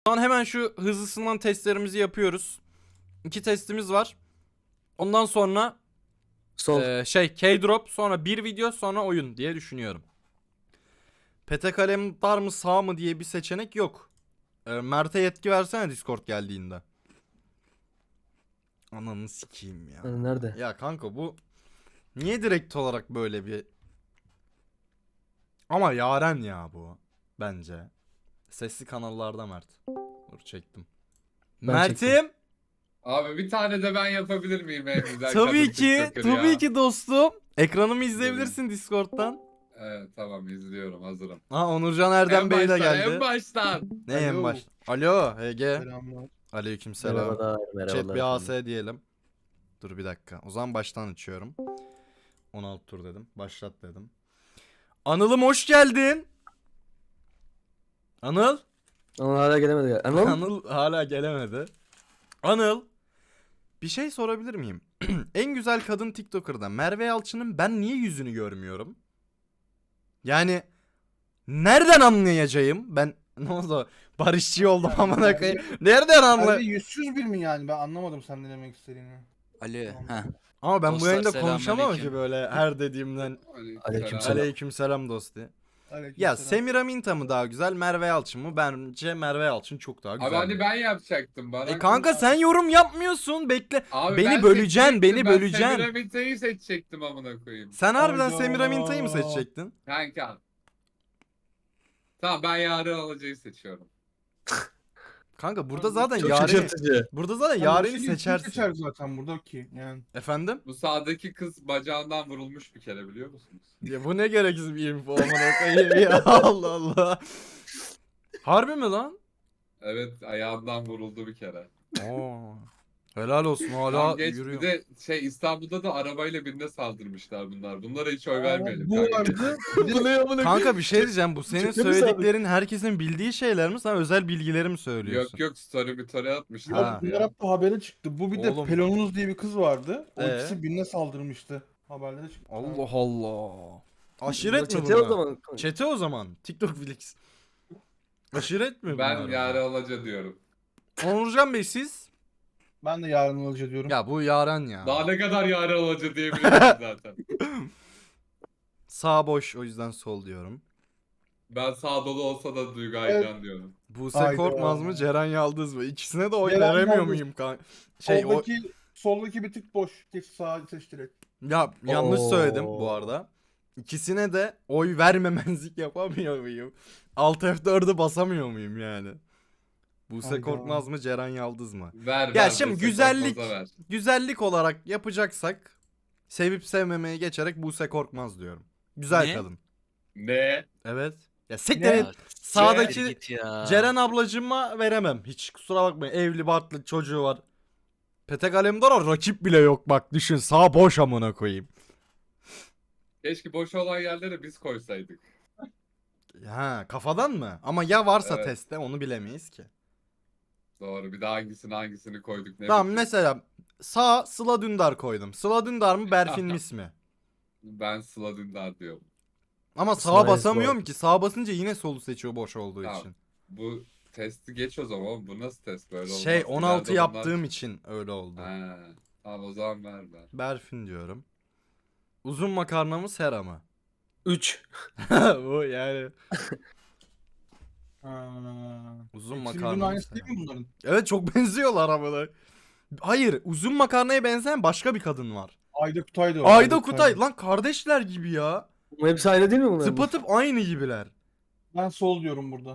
Şu an hemen şu hızlısından testlerimizi yapıyoruz. 2 testimiz var. Ondan sonra Sol. K-drop, sonra bir video, sonra oyun diye düşünüyorum. Pete kalem var mı sağ mı diye bir seçenek yok. Mert'e yetki versene Discord geldiğinde. Ananı sikeyim ya. Nerede? Ya kanka bu niye direkt olarak böyle bir... Ama Yaren ya bu bence. Sesli kanallarda Mert. Dur çektim. Ben Mert'im. Abi bir tane de ben yapabilir miyim en güzel Tabii kadın ki, TikToker tabii ya? ki dostum. Ekranımı izleyebilirsin Discord'dan. Evet tamam izliyorum hazırım. Ha, Onurcan Erdem En Bey de baştan, geldi. en baştan. Ne en Alo. baş? Alo Ege. Selamlar. Aleykümselam. Merhabalar. Chat Merhabalar. bir efendim. AS diyelim. Dur bir dakika. O zaman baştan açıyorum. 16 tur dedim. Başlat dedim. Anıl'ım hoş geldin. Anıl. Ama hala gelemedi. Anıl? Anıl hala gelemedi. Anıl. Bir şey sorabilir miyim? En güzel kadın TikToker'da Merve Yalçın'ın ben niye yüzünü görmüyorum? Yani nereden anlayacağım? Ben ne oldu? Barışçı oldum amına koyayım. Nereden anla? Abi yüzsüz bir mi yani? Ben anlamadım sen ne demek istediğini. Ali. Tamam. Heh. Ama ben bu Dostlar, yayında konuşamam selamünaleyküm. ki böyle her dediğimden. Aleykümselam. Aleykümselam dostu. Ya Aleykümselam. Semiraminta mı daha güzel, Merve Yalçın mı? Bence Merve Yalçın çok daha Abi güzel. hadi ben yapacaktım bana. Kanka sen yorum yapmıyorsun. Bekle. Abi beni ben böleceksin, seçecektim, beni böleceksin. Ben Semiramite'yi seçecektim amına koyayım. Sen harbiden Hayda. Semiraminta'yı mı seçecektin? Kanka. Tamam ben Yaren Alacı'yı seçiyorum. Kanka burada Abi, zaten Çok Yaren'i... şaşırtıcı. Burada zaten Yani Yaren'i şimdi kim seçersin. seçer zaten burada ki yani. Efendim? Bu sağdaki kız bacağından vurulmuş bir kere biliyor musunuz? Ya bu ne gereksiz bir info amına koyayım ya. Allah Allah. Harbi mi lan? Evet ayağından vuruldu bir kere. Oo. Helal olsun hala Tamam, geç. yürüyor. Bir de İstanbul'da da arabayla birine saldırmışlar bunlar. Bunlara hiç oy vermeyelim. Bu kanka. vardı. Bir Bu de ne amına Kanka bir şey diyeceğim. Bu senin Ciddi misin abi? söylediklerin herkesin bildiği şeyler mi? Sen özel bilgileri mi söylüyorsun? Yok yok story atmışlar. Ha. bunlar hep habere çıktı. Bu bir de Oğlum. Pelonuz diye bir kız vardı. O Ee? ikisi birine saldırmıştı. Haberlere çıktı. Allah Allah. Aşiret mi Çete o bunlar? zaman. Çete o zaman. TikTok Flix. Aşiret mi Ben bunlar? Yaren Alaca diyorum. Onurcan Bey siz? Ben de yarın alıcı diyorum. Ya bu Yaren ya. Daha ne kadar Yaren Alaca diyebilirim zaten. Sağ boş, o yüzden sol diyorum. Ben sağ dolu olsa da Duygu Evet. Aycan diyorum. Buse Hayda. Korkmaz mı, Ceren Yaldız mı? İkisine de oy Ceren veremiyor Yaldız. muyum kanka? Soldaki bir tık boş. Geç sağa seç direkt. Ya yanlış Oo. söyledim bu arada. İkisine de oy vermemezlik yapamıyor muyum? Alt F4'ü basamıyor muyum yani? Buse Hayda. Korkmaz mı, Ceren Yaldız mı? Ver Ya ver. şimdi Buse güzellik- Korkmaz'a ver. Güzellik olarak yapacaksak sevip sevmemeye geçerek Buse Korkmaz diyorum. Güzel Ne? kadın. Ne? Evet. Ya siktir Ne? et. Sağdaki Git ya. Ceren ablacığıma veremem. Hiç kusura bakmayın. Evli barklı çocuğu var. Petek Alemdar'a rakip bile yok bak düşün. Sağ boş amına koyayım. Keşke boş olan yerlere biz koysaydık. Ha, kafadan mı? Ama ya varsa Evet. testte onu bilemeyiz ki. Doğru. Bir de hangisini koyduk ne Tamam bileyim. mesela sağ Sıla Dündar koydum. Sıla Dündar mı Berfin Mis mi? Ben Sıla Dündar diyorum. Ama sağa Sıla'ya basamıyorum sor. ki. Sağa basınca yine solu seçiyor boş olduğu Tamam. için. Bu testi geç o zaman. Bu nasıl test böyle olmaz. Şey 16 İleride onlar- yaptığım için öyle oldu. Ha. Tamam o zaman ver. Berfin diyorum. Uzun makarna mı Sera mı? 3. Bu yani. Ha. Uzun Hepsi makarna birbirinin mı aynısı Sera değil mı? mi bunların? Evet çok benziyorlar ama. Hayır, uzun makarnaya benzeyen başka bir kadın var. Ayda Kutay'dı o. Ayda Kutay lan kardeşler gibi ya. Bu hepsi aynı değil mi bunlar? Tıpatıp aynı gibiler. Ben sol diyorum burada.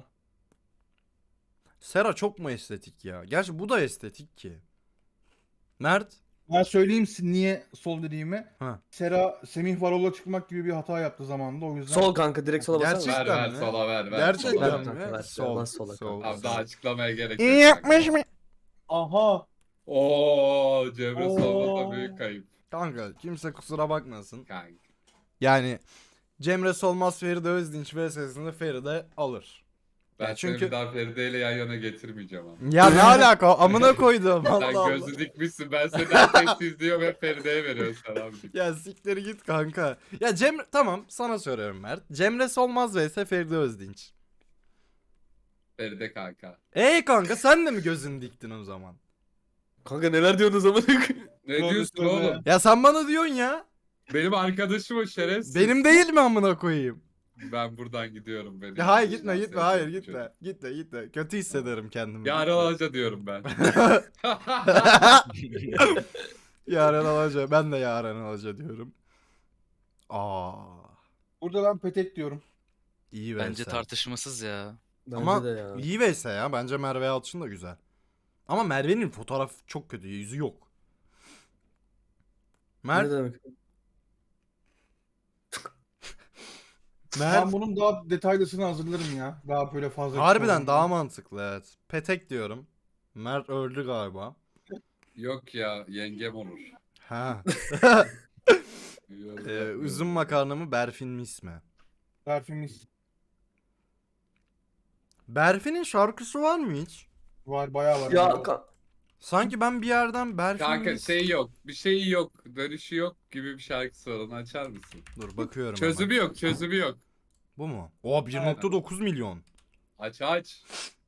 Sera çok mu estetik ya? Gerçi bu da estetik ki. Mert? Ben söyleyeyim niye sol dediğimi. Ha. Sera Semih Varol'a çıkmak gibi bir hata yaptı zamanında o yüzden. Sol kanka direkt sola basar mısın? Gerçek- Ver mi? sola ver. Gerçekten sola ver. mi? Ver, Sol. ver, sola Sol. Abi sol. daha açıklamaya gerek İyi yok. yapmış mı? Aha. Oo, Cemre Oo. Solmaz'a büyük kayıp Kanka kimse kusura bakmasın. kanka. Yani Cemre Solmaz Feride Özdinç vs'sinde Feride alır. Ben Ya çünkü... çünkü- seni bir daha Feride ile yan yana getirmeyeceğim ama. Ya ne alaka? Amına koydum. Sen Allah Allah. gözü dikmişsin ben seni herkes izliyorum hep Feride'ye veriyorsun sen abi. Ya siktir git kanka. Ya Cemre tamam sana soruyorum Mert. Cemre Solmaz vs Feride Özdinç. Feride kanka. Kanka sen de mi gözünü diktin o zaman? Kanka neler diyorsun o zaman? Ne Tövbe diyorsun tövbe. oğlum? Ya sen bana diyorsun ya. Benim arkadaşım o şerefsiz. Benim değil mi amına koyayım? Ben buradan gidiyorum benim. Ya hayır gitme Vicdan gitme hayır sevdiğim gitme. çocuk. Gitme. Kötü hissederim kendimi. Yarın alaca diyorum ben. Yaren Alaca. Ben de Yaren Alaca diyorum. Burada ben petek diyorum. İyi Bence vs. tartışmasız ya. Bence Ama de ya. iyi vs ya. Bence Merve Yalçın da güzel. Ama Merve'nin fotoğraf çok kötü. Yüzü yok. Ne demek? Ben bunun daha detaylısını hazırlarım ya. Daha böyle fazla. Harbiden daha mantıklı evet. Petek diyorum. Mert öldü galiba. Yok ya yengem olur. Ha. Yorum yapmıyorum. Üzüm makarna mı Berfin mi ismi? Perfümist Berfin'in şarkısı var mı hiç? var, bayağı var. Ya Sanki ben bir yerden Berfin Kanka şey yok. Bir şeyi yok. Dönüşü yok gibi bir şarkısı var. Onu açar mısın? Dur bakıyorum Çözümü hemen. yok. Çözümü yok. Bu mu? O 1.9 milyon. Aç aç.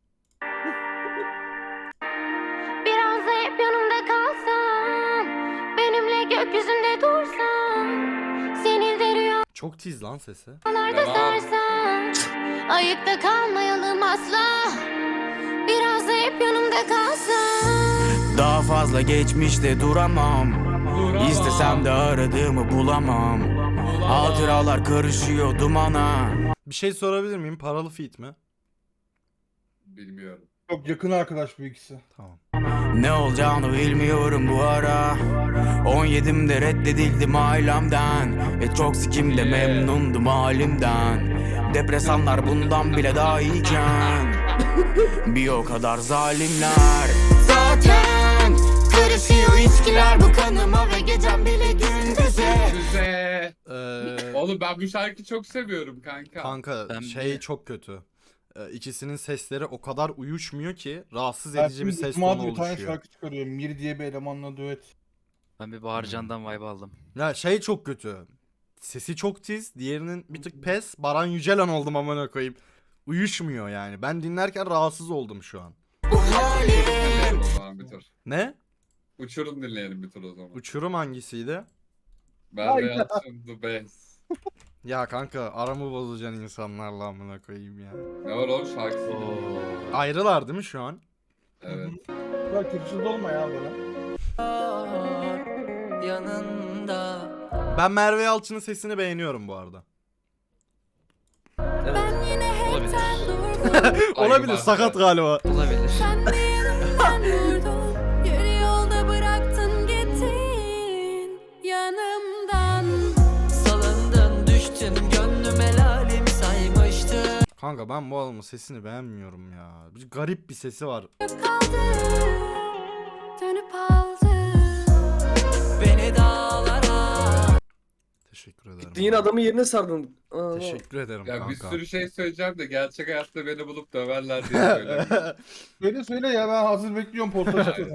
Biraz da hep yanımda kalsan, benimle gökyüzünde dursan, seni de Çok tiz lan sesi. rüyalarda Devam. sarsan, ayıkta kalmayalım asla. Biraz da hep yanımda kalsan. Daha fazla geçmişte duramam. Duramam. İstesem de aradığımı bulamam. Hatıralar karışıyor dumana. Bir şey sorabilir miyim? Paralı feat mi? Bilmiyorum. Çok yakın arkadaş bu ikisi. Tamam. Ne olacağını bilmiyorum bu ara. 17'imde reddedildim ailemden. Ve çok sikimde memnundum halimden. Depresanlar bundan bile daha iyiken. Bir o kadar zalimler. Zaten karışıyor içkiler bu kanıma ve gecem bile gündüze. Güzel. Ee, Oğlum ben bu şarkıyı çok seviyorum kanka. kanka Ben şey bir- çok kötü. İkisinin sesleri o kadar uyuşmuyor ki rahatsız Berfin edici bir ses Cuma tonu bir tane oluşuyor. şarkı çıkarıyor. Mir diye bir elemanla düet. Ben bir Baharcan'dan vibe aldım. Ya şey çok kötü. Sesi çok tiz, diğerinin bir tık pes. Baran Yücelen oldum amına koyayım. Uyuşmuyor yani. Ben dinlerken rahatsız oldum şu an. Dinleyelim o zaman bir tur. Ne? Uçurum dinleyelim bir tur o zaman. Uçurum hangisiydi? Merve Yalçın The Best. Ya kanka aramı bozacaksın insanlarla amına koyayım ya. Ne var oğlum şarkısı? Ayrılar değil mi şu an? Evet. Ya kötüsüz olma ya böyle. Yanında. Ben Merve Yalçın'ın sesini beğeniyorum bu arada. Ben yine Olabilir. hepten durdum. Olabilir, var. sakat galiba. Olabilir. Sen de yanımdan vurdun. Yarı yolda bıraktın gittin yanımdan. Salındın düştün gönlüm helalim saymıştı. Kanka ben bu adamın sesini beğenmiyorum ya. Bir garip bir sesi var. Kaldı, dönüp aldı. Beni dağlara. Teşekkür ederim. Gittin yine adamın yerine sardın. Aa, Teşekkür ederim Ya kanka. bir sürü şey söyleyeceğim de gerçek hayatta beni bulup döverler diye söylemiyorum. Söyle ya, ben hazır bekliyorum posta çıkıyor.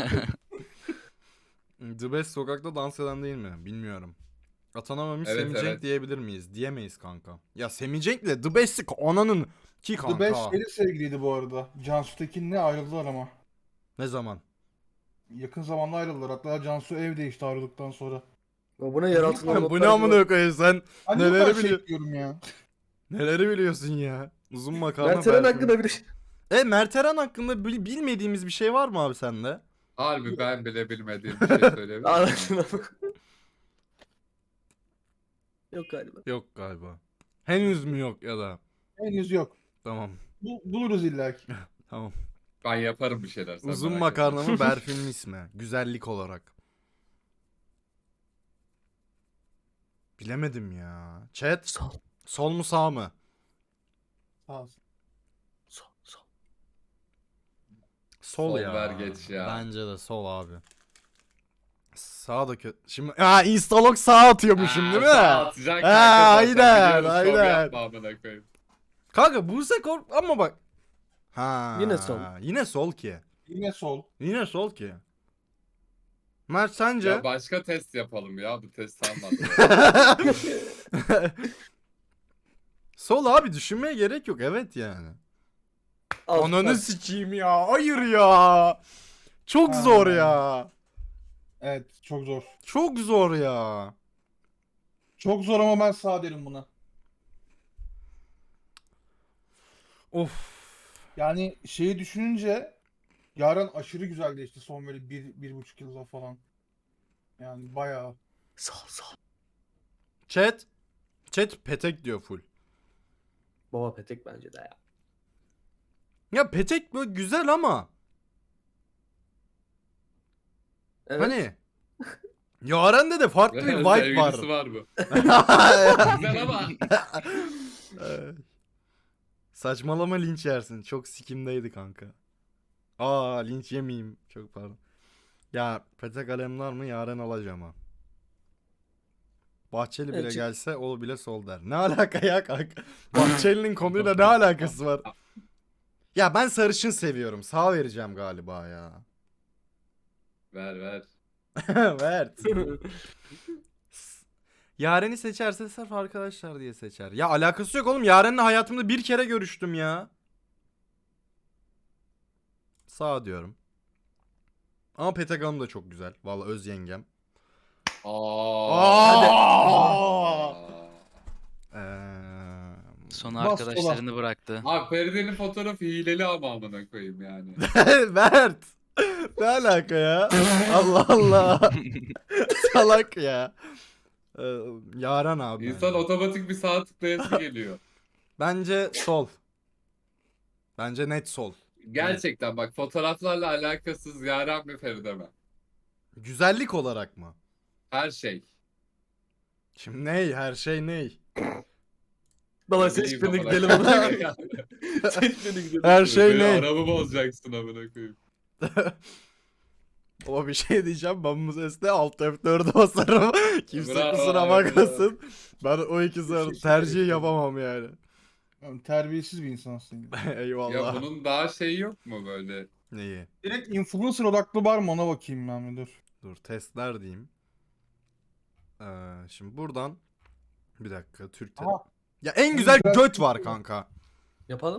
The Best sokakta dans eden değil mi? Bilmiyorum. Atanamamış Evet, Semih Cenk evet. diyebilir miyiz? Diyemeyiz kanka. Ya Semih Cenk'le The Best'i ananın ki kanka. The Best yeni sevgiliydi bu arada. Cansu Tekin'le ayrıldılar ama. Ne zaman? Yakın zamanda ayrıldılar. Hatta Cansu ev değişti ayrıldıktan sonra. Bu ne yer altında Bu ne amına koyayım sen? Hani Neleri neleri biliyor- diyorum ya. Neleri biliyorsun ya? Uzun makarna Mertelen Berfin. hakkında bir şey. Mert Eren hakkında bilmediğimiz bir şey var mı abi sende? Harbi ben bile bilmediğim bir şey söyleyebilir miyim? Anasını bak. Yok galiba. Yok galiba. Henüz mü yok ya da? Henüz yok. Tamam. Buluruz illaki. Tamam. Ben yaparım bir şeyler. sen Uzun merak makarna etme. mı Berfin'in ismi? Güzellik olarak. Bilemedim ya. Chat. Sol. Sol mu sağ mı? Sağ olsun. Sol. Sol, Sol ya. ver geç ya. Bence de sol abi. Sağ da kötü. Şimdi instalog sağ atıyormuşum değil mi? Sağ atacaksın Ha, kanka aynen, zaten. Biliyoruz, şov aynen. yapma amına koyayım. Kanka Buse Kork ama bak. Ha. Yine sol. Yine sol ki. Yine sol. Yine sol ki. Mert sence? Ya başka test yapalım ya bu test sanmadı. Sol abi düşünmeye gerek yok evet yani. Al, Ananı bak. sikeyim ya. Hayır ya. Çok zor ya. Evet çok zor. Çok zor ya. Çok zor ama ben sağ derim buna. Of. Yani şeyi düşününce Yaren aşırı güzelleşti son böyle 1,5 yılda falan. Yani bayağı. Sol. Chat. Chat petek diyor full. Baba petek bence de ya. Ya petek böyle güzel ama. Evet. Hani. Yaren'de de farklı bir vibe var. Sevgilisi var bu. Güzel ama. Saçmalama linç yersin. Çok sikimdeydi kanka. Aa linç yemeyeyim. Çok pardon. Ya petek alemler mi Yaren alacağım ha. Bahçeli bile Evet, gelse o bile sol der. Ne alaka ya kanka? Bahçeli'nin konuyla ne alakası var? Ya ben sarışın seviyorum. Sağ vereceğim galiba ya. Ver. Ver. Yaren'i seçerse sırf arkadaşlar diye seçer. Ya alakası yok oğlum. Yaren'le hayatımda bir kere görüştüm ya. Sağ diyorum. Ama Petek Hanım da çok güzel. Vallahi öz yengem. Aa. Son Bas arkadaşlarını bıraktı. Abi Feride'nin fotoğrafı hileli ama amına koyayım yani. Mert. Ne alaka ya? Allah Allah. Salak ya. Yaren abi. İnsan otomatik bir sağ tıklayası geliyor. Bence sol. Bence net sol. Gerçekten bak fotoğraflarla alakasız Yaren mi Feride mi? Güzellik olarak mı? Her şey. Şimdi ney? Her şey ney? Baba Ne seç bileyim beni amına gidelim koyayım. ona. Seç beni gidelim. Her şey Böyle ney? Arabamı bozacaksın amına koyayım. O bir şey diyeceğim. Ben bu sesle alt F4'e basarım. Kimse Bravo, kusura evet, bakmasın. Ben o ikisi arasında şey tercih söyleyeyim. yapamam yani. Yani terbiyesiz bir insansın. Yani. Eyvallah. Ya bunun daha şeyi yok mu böyle? Neyi? Direkt influencer odaklı var mı ona bakayım ben bir dur. Dur testler diyeyim. Şimdi buradan bir dakika Türk'te. Aha. Ya en güzel güzel göt şey var var. kanka. Yapalım.